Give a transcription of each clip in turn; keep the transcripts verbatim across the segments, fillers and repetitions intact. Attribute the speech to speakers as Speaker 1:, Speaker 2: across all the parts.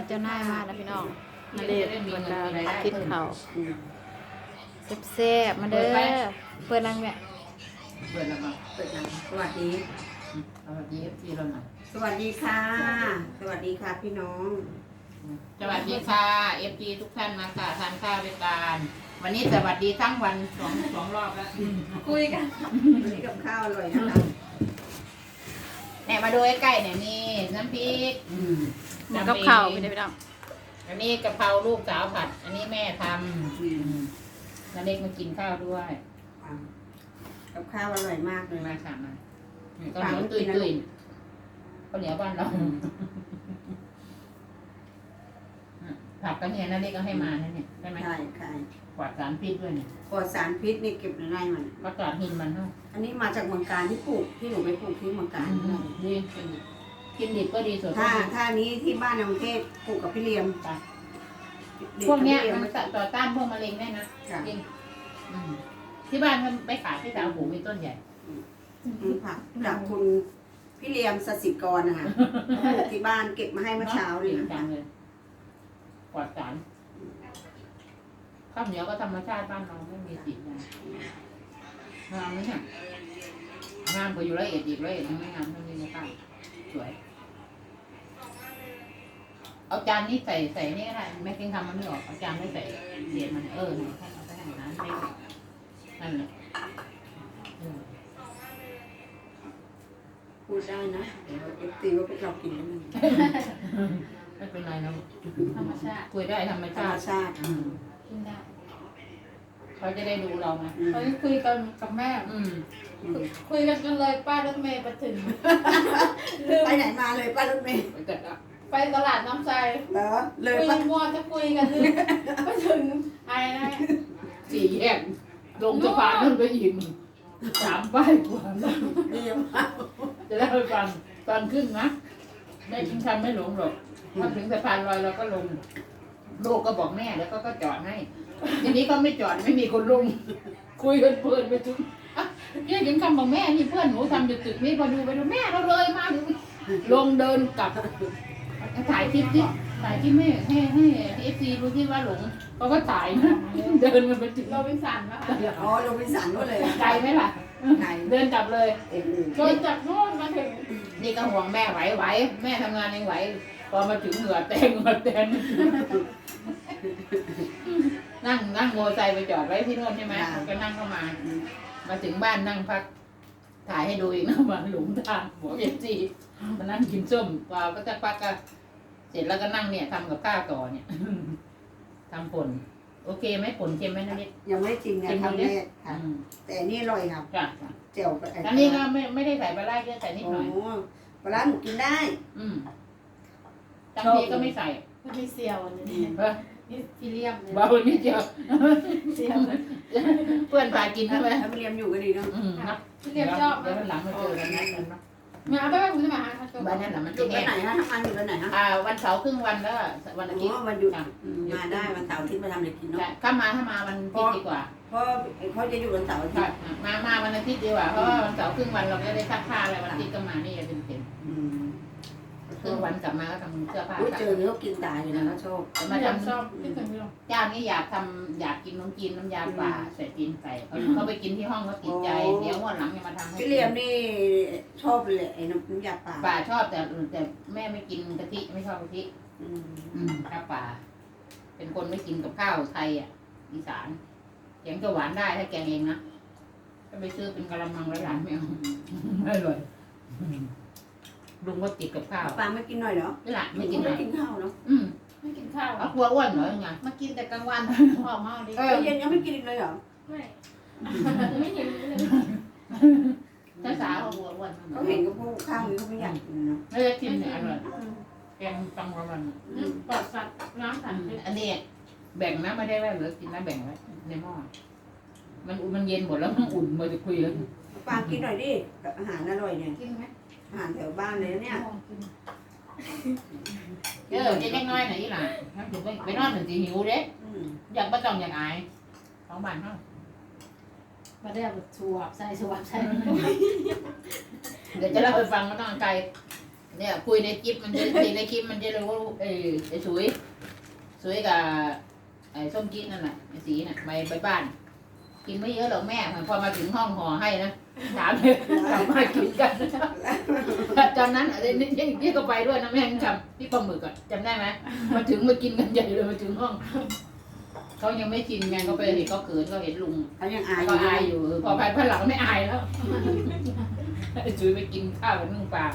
Speaker 1: เจ้านายมาแล้วพี่น้องมาเด็ดบรรดากินข้าวแซ่บๆมาเด้อเปิดนังเนี่ย
Speaker 2: เปิดแล้วก็
Speaker 3: เปิดหนังสวัสดี
Speaker 2: สวัสดีที่เราหน่อย
Speaker 3: สวัสดีค่ะ สวัสดีค่ะพี่น้อง
Speaker 2: สวัสดีค่ะเอฟจีทุกท่านมาค่ะทานข้าวด้วยกันวันนี้สวัสดีทั้งวันสองสองรอบแล้ว
Speaker 1: คุยกัน
Speaker 3: วันนี้กับข้าวอร่อยนะคะ
Speaker 2: เนี่ยมาดูใกล้ๆเนี่ยมีน้ำพริก
Speaker 3: อืม
Speaker 1: หมูกับข้าวพี่น้องพี่น้อง
Speaker 2: อันนี้กะเพราลูกสาวผัด อันนี้แม่ทำ
Speaker 3: อืม
Speaker 2: นาเล็กมากินข้าวด้วย
Speaker 3: กับข้าวอร่อยมากเลย
Speaker 2: มาค่ะมาก็เหนียวตุยตุยข้าวเหนียวบ้านเราผัดกันเนี่ยนาเล็กก็ให้มานะเนี่ยใช่ไหม
Speaker 3: ใช่ใช่
Speaker 2: กวาดสารพิษด้วยเนี่ย
Speaker 3: ปลอดสารพิษนี่เก็บในไร่มัน
Speaker 2: ก็กวาดหินมันเนาะ
Speaker 3: อันนี้มาจากเมืองการที่ปลูกที่หนูไปปลูกที่เมืองการ
Speaker 2: ดีกินดิบก็ดีสดก็
Speaker 3: ถ้า
Speaker 2: ดี
Speaker 3: ถ้านี้ที่บ้านในกรุงเทพปลูกกับพี่เลียม
Speaker 2: พวกเนี้ย
Speaker 3: ด็
Speaker 2: มัน
Speaker 3: กับ
Speaker 2: ต่อต้านพวกมะเร็งได้นะ
Speaker 3: ค่ะ
Speaker 2: จริงอืมที่บ้านมันไปขายที่สาวหูมีต้นใหญ่
Speaker 3: อืมผักจากคุณพี่เลียมสสิกรนะคะปลูกที่บ้านเก็บมาให้เมื่อเช้าเลย
Speaker 2: จริง
Speaker 3: นะ
Speaker 2: จั
Speaker 3: คะ
Speaker 2: งเลยปลอดสารข้าวเหนียวก็ธรรมชาติบ้านเราไม่มีสียางามไหมเนี่ยงามกว่าอยู่ละเอียดอีกละเอียดยังไม่งามเท่านี้นะป้าสวย เอาจานนี้ใส่ใส่นี่ก็ได้แม่กินทำมันไม่ออกเอาจานไม่ใส่เหรียญมันเออเนี่ยเอาไปให้ร้านไม่นั่นแหละเออ
Speaker 3: พูดได้นะเดี๋ยวเอฟตีว่าพวกเรากินได้ไหม
Speaker 2: ไม่เป็นไรนะ
Speaker 1: ธรรมชาติ
Speaker 2: คุยได้ธรรม
Speaker 3: ธรร
Speaker 2: ชาม ติ
Speaker 3: ชาติ
Speaker 2: อืม
Speaker 1: กินได้
Speaker 2: เขาจะได้ดูเราไง
Speaker 3: อืม
Speaker 1: เขาคุยกันกับแม่
Speaker 2: อืม
Speaker 3: อืม
Speaker 1: คุยกันกันเลยป้ารถเมย์ไปถึง
Speaker 3: ไปไหนมาเลยป้ารถเมย์
Speaker 2: ไปจัดละ
Speaker 1: ไปตลาดน้ำใจ
Speaker 3: เหรอเลย
Speaker 1: คุย
Speaker 3: ป้า
Speaker 1: มัวจะคุยกันลืมไปถึงอะไรนะ
Speaker 2: สี่แยกลงสะพานนั่นไปอีกสามป้ายกว่า
Speaker 3: เรียม
Speaker 2: จะได้ไปฟังตอนขึ้นนะแม่กินทำไม่หลงหรอกพอถึงสะพานลอยเราก็ลงลูกก็บอกแม่แล้วก็ก็จอดให้ทีนี้ก็ไม่จอดไม่มีคนลงคุยกันเพลินไปถึงอ่ะเนี่ยถึงคำบอกแม่นี่เพื่อนหนูทำอยู่ตึกนี้พอดูไปดูแม่เราเลยมาถึงลงเดินกลับถ่ายคลิปที่ถ่ายคลิปให้ให้ให้เอฟซีรู้ที่ว่าหลงเขาก็ถ่ายนะเดินมาไปถึง
Speaker 1: เราเป็นสันนะคะ
Speaker 3: อ๋อลงไปสันก็เลย
Speaker 2: ไกลไหมล่ะ
Speaker 3: ไกล
Speaker 2: เดินกลับเลย
Speaker 3: โอ้โห
Speaker 1: โดนจากโน่นมาถึง
Speaker 2: นี่ก็ห่วงแม่ไหวไหวแม่ทำงานยังไหวพอมาถึงเหงื่อแตงเหงื่อแตงนั่งนั่งโมอไซค์ไปจอดไว้ที่โน่นใช่ไหมก็นั่งเข้ามา มาถึงบ้านนั่งพัก ถ่ายให้ดูอีกนะว่าหลงทางหัวเอฟซีมานั่งกินส้มกว่าก็จะพักก็เสร็จแล้วก็นั่งเนี่ยทำกับข้าวต่อเนี่ยทำผลโอเคไหมผลเค็มไหมนะนิด
Speaker 3: ยังไม่จริงนะทำแรกค่ะ
Speaker 2: อืม
Speaker 3: แต่อันนี่อร่อยครับ
Speaker 2: จ้ะ
Speaker 3: เจียวกับไ
Speaker 2: อันนี้ก็ไม่ไม่ได้ใส่ปลาไหลเยอะใส่นิด
Speaker 3: โอ้
Speaker 2: หน่อย
Speaker 3: ปลาร้าหนูกินได้
Speaker 2: อืมบางทีก็ไม่ใส่
Speaker 1: มันมีเซียวอันนี้
Speaker 2: เออ
Speaker 1: นี่ฟิเลียมเนี่ย
Speaker 2: เบานิดเดียว
Speaker 1: เซียว
Speaker 2: เพื่อนพากินใช่ไหม
Speaker 3: ถ้าไปเรียนอยู่ก็ดีเนาะ
Speaker 2: อืมนะ
Speaker 1: ฟิเลียมชอบ
Speaker 2: เดี๋ยววันหลังมาเจอกันนะกันเนาะ
Speaker 1: มาเอาไปบ้านคุณจะมาหาเขาชอบ
Speaker 2: วันนั้นแหละมัน
Speaker 3: ห
Speaker 2: จะ
Speaker 3: ยุดวั
Speaker 2: แน่
Speaker 3: นไหนฮะทำงานอยู่วันไหนฮะ
Speaker 2: อ่า วันเสาร์ครึ่งวันแล้ววันอาทิตย์
Speaker 3: อ๋อวันหยุด
Speaker 2: จ้ะ
Speaker 3: อืมมาได้วันเสาร์อาทิตย์มาทำอะไรกินเนาะ
Speaker 2: ใช่ถ้ามาถ้ามาวันอาทิตย์ดีกว่า
Speaker 3: เพราะเขาจะอยู่วันเสาร์อาทิ
Speaker 2: ใช่
Speaker 3: ตย์
Speaker 2: มามาวันอาทิตย์ดีกว่าเพราะว่าวันเสาร์ครึ่งวันเราก็ได้ซักผ้าอะไรวันอาทิตย์ก็มานี่จะเป็นเต็ม
Speaker 3: อืม
Speaker 2: ครึ่งวันกลับมาก็ทำเสื้อผ้า
Speaker 3: อุ้ยเจอเนื้อกินตายเลยนะเขาชอบ
Speaker 2: จะ
Speaker 1: มา
Speaker 2: มา
Speaker 1: ทำ
Speaker 2: ทำ
Speaker 1: ชอบที่ถึงพี่ลง
Speaker 2: เจ้านี้อยากทำอยากกินน้ำจีนน้ำยาป่าใส่จีนใส่เขาเขาไปกินที่ห้องเขาติดใจเดี๋ยววันหลังจะมาทำให้
Speaker 3: พี่เลียมนี่ชอบเลยไอ้น้ำน้ำยาป่า
Speaker 2: ป่าชอบแต่แต่แม่ไม่กินกะทิไม่ชอบกะทิ
Speaker 3: อืม
Speaker 2: อืมข้าวป่า เป็นคนไม่กินกับข้าวไทยอ่ะอีสานแกงจะหวานได้ถ้าแกงเองนะก็ไปซื้อเป็นกะละมังหลายๆไม่เอาไม่อร่อยลุงก็ติดกับข้าว
Speaker 3: ปลาไม่กินหน่อยเหรอ
Speaker 2: นี่แหละไม่กินเล
Speaker 3: ไม่
Speaker 2: ย
Speaker 3: กินข้าวเนาะ
Speaker 2: อืม
Speaker 1: ไม่กินข้าว
Speaker 2: เอากลัวอ้วนเหรอยังไง
Speaker 1: มากินแต่กลางวันหอมมากดิ
Speaker 2: เออ
Speaker 3: เย็นยังไม่กินอีกเลยเหรอ
Speaker 1: ไม่ไม่เห็นเลย
Speaker 2: ถ้าสาวกลัวอ้วน
Speaker 3: เขาเห็นกับพวกข้าวนี้เขาไม่อยากกินเนาะ
Speaker 2: ไม่ได้กินเนี่ยอร่อยแกงตังประมัน
Speaker 1: ปลอดสัตว์น้ำสัตว์
Speaker 2: อันนี้แบ่งนะไม่ได้ว่าเหลือกินนะแบ่งไว้ในหม้อมันอุ่นมันเย็นหมดแล้วมันอุ่นมาจะคุยแล้ว
Speaker 3: ปลากินหน่อยดิแบบอาหารอร่อยเนี่ย
Speaker 1: กินไหม
Speaker 3: อาหารแถวบ้านเลยนะเนี่ย
Speaker 2: เออจะเล็กน้อยหน่อยอีหล่ะถึงไปไปนอนถึงสีหิวเด้
Speaker 3: อืม
Speaker 2: อยากประจองอยากอายสองบาทเท่า
Speaker 1: มาได้แบบสวบใส่สวบใส่
Speaker 2: เดี๋ยวจะเล่าไปฟังมาต้องไกลเนี่ยคุยในคลิปมันจะในคลิปมันจะรู้ว่าไอ้ไอ้สวยสวยกับไอ้ส้มจี๊ดนั่นแหละไอ้สีน่ะไปไปบ้าน กินไม่เยอะหรอกแม่พอมาถึงห้องห่อให้นะถามเลยถามมากินกันตอนนั้นอะไรนี่นี่ก็ไปด้วยนะแม่ยังจำพี่ปลาหมึกอ่ะจำได้ไหมมาถึงมากินกันใหญ่เลยมาถึงห้องเขายังไม่กินไงเขาไปเห็นเขาเขินเขาเห็นลุง
Speaker 3: เขายังอายอ
Speaker 2: ก็
Speaker 3: ยู่
Speaker 2: อายอยู่พอไปพันหลังไม่อายแล้วจุยไปกินข้าวกับนึ่งปลา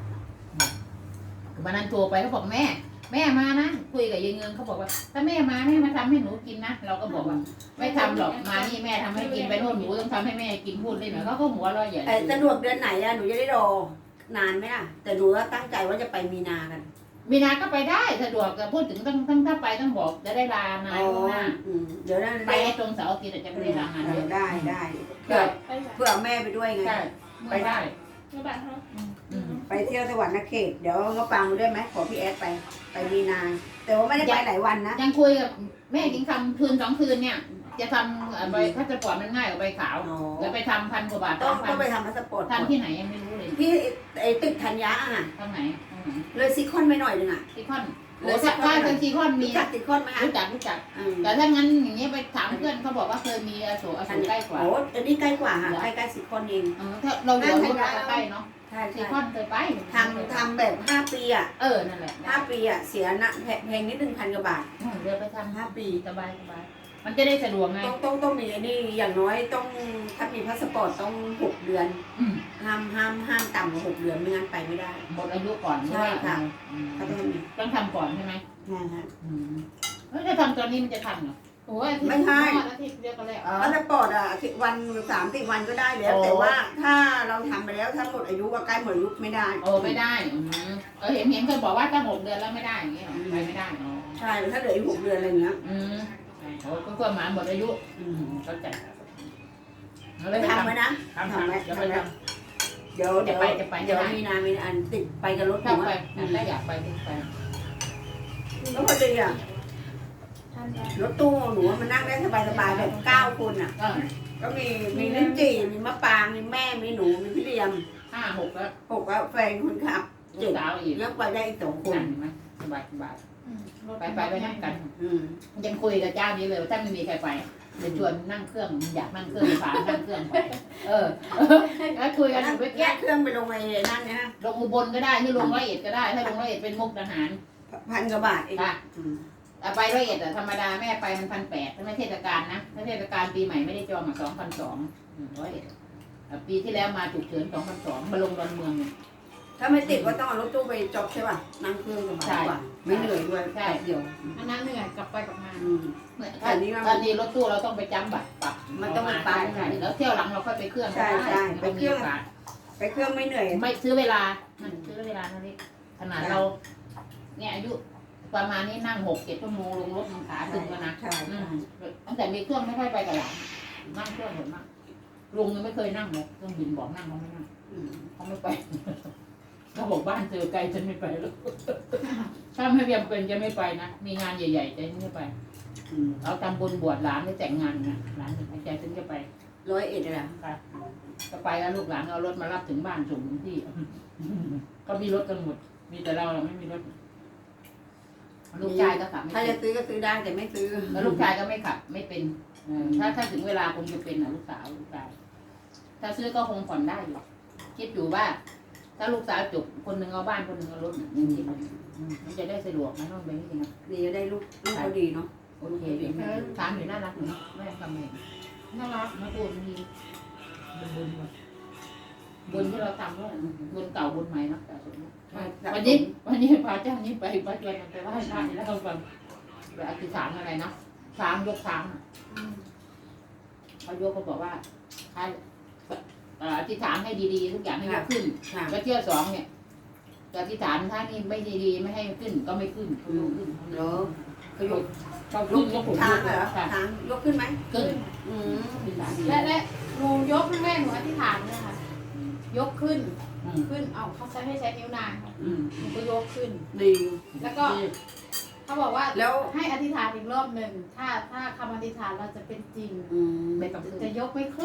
Speaker 2: วันนั้นโทรไปเขาบอกแม่ แม่มานะคุยกับยายเงินเขาบอกว่าถ้าแม่มาแม่มาทำให้หนูกินนะเราก็บอกว่าไม่ทำหรอกมานี่แม่ทำให้กินไปโน่นหนูต้องทำให้แม่กินพูดได้ไหมเขาก็หัวเราะใหญ่
Speaker 3: ไอ้สะดวกเดือนไหนอะหนูจะได้รอนานไหมล่ะแต่หนูว่าตั้งใจว่าจะไปมีนากัน
Speaker 2: มีนาก็ไปได้สะดวกแต่พูดถึงต้องต้องถ้าไปต้องบอกจะได้ลานายล่วงหน้า
Speaker 3: อืมเดี๋ยวนั้น
Speaker 2: ไปตรงเสาร์อาทิตย์จะไม่ได้ลางานเยอะ
Speaker 3: ได้ได้เพื่อเพื่อเอาแม่ไปด้วยไง
Speaker 2: ใช่ไปได้
Speaker 4: ไม่บ้านเขา
Speaker 2: อืม
Speaker 3: ไปเที่ยวสวรรค์เขตเดี๋ยวก็ฟังด้วยไหมขอพี่แอดไปไปมีนา แต่ว่าไม่ได้ไปหลายวันนะ
Speaker 2: ยังคุยกับแม่กินคำคืนสองคืนเนี่ย จะทำใบพาสปอร์ตมันง่ายกว่าใบขาว
Speaker 3: อ๋อ
Speaker 2: แล้วไปทำพันกว่าบาท
Speaker 3: ต้อ
Speaker 2: สาง มพั
Speaker 3: ต้อน งไปทำพาสปอร์ต
Speaker 2: ทำที่ไหนยังไม่รู้เลย
Speaker 3: ที่ไอ้ตึกธัญญาอ่ะ
Speaker 2: ทางไหนทางไหน
Speaker 3: เลยซีคอนไปหน่อยนึงอ่ะ
Speaker 2: ซีคอน
Speaker 3: เล
Speaker 2: โอ้
Speaker 3: ย
Speaker 2: ถ้าถ้าทางซีคอนมี
Speaker 3: รู้จักซีคอนไหมคะ
Speaker 2: รู้จักรู้จัก
Speaker 3: อืม
Speaker 2: แต่ถ้างั้นอย่างเงี้ยไปถามเพื่อนเขาบอกว่าเคยมีอโศกอโศกใกล้กว่า
Speaker 3: โอ้อันนี้ใกล้กว่าค่ะใกล้ใกล้ซีคอนเอง
Speaker 2: เออถ้าเราอยู่รถเราก็ใกล้เนาะ
Speaker 3: ใช่
Speaker 2: ซี
Speaker 3: ใช่
Speaker 2: คอนเคยไป
Speaker 3: ทำทำแบบห้าปีอ่ะ
Speaker 2: เออนั่นแหละ
Speaker 3: ห้าปีอ่ะเสียนะแพงนิดนึงพันกว่าบาท
Speaker 2: อืมเดี๋ยวไปทำ
Speaker 3: ห้าปี
Speaker 2: สบายสบายมันจะได้สะดวกไง
Speaker 3: ต้องต้องต้องมีไอ้นี่อย่างน้อยต้องถ้ามีพาสปอร์ตต้องหกเดือน
Speaker 2: อืม
Speaker 3: ห้ามห้ามห้ามต่ำกว่าหกเดือนไม่งั้นไปไม่ได้
Speaker 2: หมดอายุก่อน
Speaker 3: ใช่ค่ะ
Speaker 2: อืม
Speaker 3: เขาต้องมี
Speaker 2: ต้องทำก่อนใช่ไหม
Speaker 3: ใช่ฮะ
Speaker 2: อืมเฮ้ยถ้าทำตอนนี้มันจะทันเหรอ
Speaker 4: โอ้ยอาทิตย์
Speaker 3: ไม่ใช่
Speaker 4: อาทิตย์เดียวกันแล้ว
Speaker 3: พาสปอร์ตอ่ะสิบวันสามสิบวันก็ได้แล้ว
Speaker 2: โอ้
Speaker 3: แต่ว่าถ้าเราทำไปแล้วถ้าหมดอายุก็ใกล้หมดอายุไม่ได้
Speaker 2: โอ้ไม่ได้อืมเออเห็นเห็นเคยบอกว่าถ้าหกเดือนแล้วไม่ได้อย่างเงี้ยเหรอไปไม่ได้อ๋อ
Speaker 3: ใช่ถ้าเหลืออีกหกเดือนอะไรเงี้ย
Speaker 2: อืมโอ้ก็เพื่อหมาหมดอายุ
Speaker 3: อื
Speaker 2: อื
Speaker 3: ม
Speaker 2: มเข้าใจเอา
Speaker 3: ไป
Speaker 2: เลย
Speaker 3: ทำไว้นะ
Speaker 2: ทำ
Speaker 3: ทำไว้
Speaker 2: ทำเดี๋ยวไป
Speaker 3: ทำไว้
Speaker 2: ท
Speaker 3: เดี๋ยวเดี๋ยว
Speaker 2: จะไปจะไป
Speaker 3: เดี๋ยว
Speaker 2: จะไป
Speaker 3: มีนามีอันติดไปกับรถ
Speaker 2: ำ
Speaker 3: หนู
Speaker 2: ถ้าไป
Speaker 3: อ่ะ
Speaker 2: ถ้าอยากไปก็ไป
Speaker 3: แล้วพอดีอ่ะ
Speaker 4: ท่านได้
Speaker 3: รถตู้หนูว่ามันนั่งได้สบายๆแบบเก้าคนอ่ะ
Speaker 2: เออ
Speaker 3: ก็มีมีลิ้นจี่มีมะปรางมีแม่มีหนูมีพี่เลียม
Speaker 2: ห้าหกแล้ว
Speaker 3: หกแล้วแฟนคนขับ
Speaker 2: ลู
Speaker 3: เจ็
Speaker 2: ก
Speaker 3: ด
Speaker 2: สาวอีก
Speaker 3: ยังไปได้อีกสองคน
Speaker 2: นั่นเห็นไหมสบายสบาย
Speaker 4: อืมรถ
Speaker 2: ไปไปไปนั่งกัน
Speaker 3: อืม
Speaker 2: ยังคุยกับเจ้านี้เลยว่าถ้าไม่มีใครไปจะชวนนั่งเครื่องอยากนั่งเครื่องผ่านนั่งเครื่องไปเออแล้วคุยกันอยู่เมื่อ
Speaker 3: แย
Speaker 2: กี้
Speaker 3: กเครื่องไปลงไอ้นั่นนะ
Speaker 2: ลงอุบลก็ได้หรือลงร้อยเอ็ดก็ได้ ถ้าลงร้อยเอ็ดเป็นมุกทหาร
Speaker 3: พันกว่าบาทเอง
Speaker 2: ค่ะ
Speaker 3: อืม
Speaker 2: แต่ไปร้อยเอ็ดอะธรรมดาแม่ไปมันพันแปดถ้าไม่เทศกาลนะถ้าเทศกาลปีใหม่ไม่ได้จองอ่ะสองพันสองร้อยเอ็ดปีที่แล้วมาฉุกเฉินสองพันสองมาลงดอนเมืองเนี่ย
Speaker 3: ถ้าไม่ติดก็ต้องเอารถตู้ไปจบใช่ป่ะนั่งเครื่องสบายกว่าไม่เหนื่อยด้วย
Speaker 2: ใช่
Speaker 3: เดี๋ยว
Speaker 4: อันนั้นเหนื่อยกลับไปกลับมา
Speaker 3: อืม
Speaker 2: เหมือน
Speaker 3: อันนี้มัน
Speaker 2: ตอนนี้รถตู้เราต้องไปจำบัตรปรับ
Speaker 3: มันต้องไปปรับ
Speaker 2: ใช่แล้วเที่ยวหลังเราค่อยไปเครื่อง
Speaker 3: ใช่ใช่ไปเครื่อง
Speaker 2: ม่มีโอกาส
Speaker 3: ไปเครื่องไม่เหนื่อย
Speaker 2: ไม่ซื้อเวลามันซื้อเวลาเท่านี้ขนาดเรา เนี่ยอายุประมาณนี้นั่งหกเจ็ดชั่วโมงลงรถมันขาตึงแล้วนะ
Speaker 3: ใช่
Speaker 2: อืมตั้งแต่มีเครื่องไม่ค่อยไปกับหลานนั่งเครื่องเห็นมากลุงยังไม่เคยนั่งเลยเครื่องบินบอกนั่งเขาไม่นั่ง
Speaker 3: อืม
Speaker 2: เขาไม่ไป เขาบอกบ้านเจอไกลฉันไม่ไปแล้ว ถ้าไม่เพียงเป็นจะไม่ไปนะมีงานใหญ่ๆจะไม่ไป
Speaker 3: อืม
Speaker 2: เอาทำบุญบวชหลานหรือแต่งงานนะหลานถึงใจถึงจะไป
Speaker 3: ร้อยเอ็ดเลยอ่ะ
Speaker 2: ค่ะก็ไปแล้วลูกหลานเอารถมารับถึงบ้านส่งถึงที่ ก็มีรถกันหมดมีแต่เราเราไม่มีรถลูกชายก็ขับไม่
Speaker 3: ถ้า
Speaker 2: เป็
Speaker 3: จะ
Speaker 2: น
Speaker 3: ซื้อก็ซื้อได้แต่ไม่ซื้อ
Speaker 2: แล้วลูกชายก็ไม่ขับไม่เป็นเออถ้าถ้าถึงเวลาคงจะเป็นนะลูกสาวลูกชายถ้าซื้อก็คงผ่อนได้อยู่คิดอยู่ว่า ถ้าลูกสาวจบคนหนึ่งเอาบ้านคนหนึ่งเอารถเนี่ยยังคิดอยู่อืมมันจะได้สะดวกนะน้องเบนนี่นะ
Speaker 3: ดีจะได้ลูกลูกเขาดีเนาะ
Speaker 2: โอเคดีถามอยู่น่ารักอยู่เนอะแม่ทำไง
Speaker 4: น่ารัก
Speaker 2: มาพูดมีบุญบุญหมดบุญที่เราทำด้วยบุญเก่าบุญใหม่เนาะแต่ส่วนนี้วันนี้วันนี้พาเจ้านี้ไปไปชวนมันไปไหว้พระนี่แล้วเขาฟังไปอธิษฐานอะไรนะช้างยกช้างอะ
Speaker 4: อืม
Speaker 2: เขายกเขาบอกว่าให้เอ่ออธิษฐานให้ดีๆทุกอย่างให้ยกขึ้น
Speaker 3: ค่ะ
Speaker 2: แล้วเที่ยวสองเนี่ยจะอธิษฐานถ้านี่ไม่ดีๆไม่ให้ขึ้นก็ไม่ขึ้นเขายกขึ้น
Speaker 3: เหรอเขายก
Speaker 2: เขา
Speaker 3: ย
Speaker 2: ขึ้
Speaker 3: ก
Speaker 2: นยกผม
Speaker 3: ช้างเหรอ
Speaker 2: ค่ะ
Speaker 3: ช้างยกขึ้นไหม
Speaker 2: ขึ้น
Speaker 3: อืม
Speaker 2: ขึ้นหลานดี
Speaker 4: และและลุงยกให้แม่หนูอธิษฐานเลยค่ะ ยกขึ้น
Speaker 2: อืม
Speaker 4: ขึ้น เอาเขาใช้ให้ใช้นิ้วนางค่ะ
Speaker 2: อืม
Speaker 4: หนูก็ยกขึ้น
Speaker 3: ดี
Speaker 4: แล้วก็เขาบอกว่า
Speaker 3: แล้ว
Speaker 4: ให้อธิษฐานอีกรอบหนึ่ง ถ้าถ้าคำอธิษฐานเราจะเป็นจริง
Speaker 3: อืม
Speaker 2: ไม่ต้องขึ้น
Speaker 4: จะยกไม่ขึ้น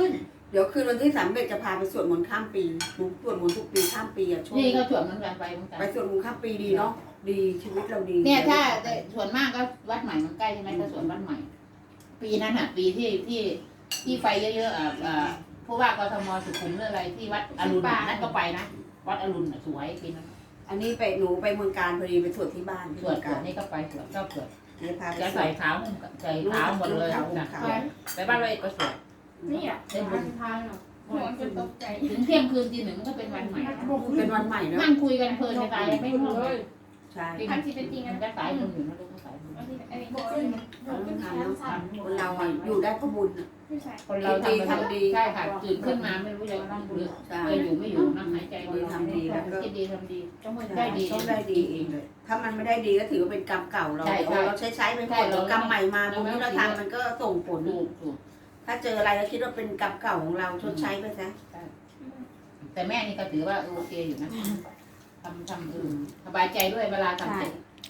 Speaker 3: เดี๋ยวคืนวันที่สามเอ็ดจะพาไปสวดมนต์ข้ามปีหนูสวดมนต์ทุกปีข้ามปีอะช่วง
Speaker 2: นี่ก็สวดเหมือนกันไปเหมือนกัน
Speaker 3: ไปสวดมนต์ข้ามปีดีเนาะดีชีวิตเราดี
Speaker 2: เนี่ยถ้าส่วนมากก็วัดใหม่มันใกล้ใช่ไหมก็สวนวัดใหม่ ปีนั้นอ่ะ ปีที่ที่ที่ไฟเยอะๆอ่ะอ่าผู้ว่ากทมสุขุมหรืออะไรที่วัดอรุณนั่นก็ไปนะวัดอรุณสวยปีนั้น
Speaker 3: อันนี้ไปหนูไปเมืองการพอดีไปสวดที่บ้านที่
Speaker 2: สว
Speaker 3: เมื
Speaker 2: ด
Speaker 3: อง
Speaker 2: สว
Speaker 3: กา
Speaker 2: ด
Speaker 3: ร
Speaker 2: นี่ก็ไปสวดก็สวด
Speaker 3: นี่พาไป
Speaker 2: จะ
Speaker 3: สว
Speaker 2: ใส่
Speaker 3: ด
Speaker 2: เท้าใส่เท้าหมดเลย
Speaker 3: ลูก
Speaker 2: นะ
Speaker 3: ขาว
Speaker 2: ไปบ้านเราเอกก็สวด
Speaker 4: นี่อ่ะเป็นวันสุดท้ายเนาะหนูจะตกใจ
Speaker 2: ถึงเที่ยงคืนตีหนึ่งก็เป็นวันใหม่
Speaker 3: เป็นวันใหม่เนาะ
Speaker 2: นั่งคุยกันเพลินจะตายไม่รู้เลย
Speaker 3: ใช่
Speaker 4: อันที่เป็นจริง
Speaker 2: มั
Speaker 4: อั
Speaker 2: น
Speaker 4: น
Speaker 2: ก็สายมืออยู่นะลูกก็สายมือ
Speaker 4: นี้อันนี้บอกขึ้น
Speaker 3: เราต้องทำเนาะคนเราอะอยู่ได้ก็บุญอะ
Speaker 4: ไม่ใช่
Speaker 2: คนเราทำไปทำดีใช่ค่ะตื่นขึ้นมาไม่รู้จะนั่งหรือ
Speaker 3: ใช่
Speaker 2: จะอยู่ไม่อยู่นั่งหายใจ
Speaker 3: ดีทำดีแล้วก็
Speaker 2: คิดดีทำดี
Speaker 4: จะหมด
Speaker 2: ได้ดี
Speaker 3: ต้องได้ดีเองเลยถ้ามันไม่ได้ดีก็ถือว่าเป็นกรรมเก่าเรา
Speaker 2: ใช่ใช่
Speaker 3: เราใช้ใช้ไปหม
Speaker 2: ใช่
Speaker 3: ด
Speaker 2: เรา
Speaker 3: เดี๋ยวกรรมใหม่มา
Speaker 2: เรา
Speaker 3: บุญ
Speaker 2: ไม่
Speaker 3: ที่เรา
Speaker 2: ต้อง
Speaker 3: ทำมันก็ส่งผล
Speaker 2: ถูกถูก
Speaker 3: ถ้าเจออะไรก็คิดว่าเป็นกรรมเก่าของเราชดใช้ไปซะ
Speaker 2: แต่แม่นี่ก็ถือว่าโอเคอยู่นะทำทำเออสบายใจด้วยเวลาทำเสร็จ
Speaker 3: ใช่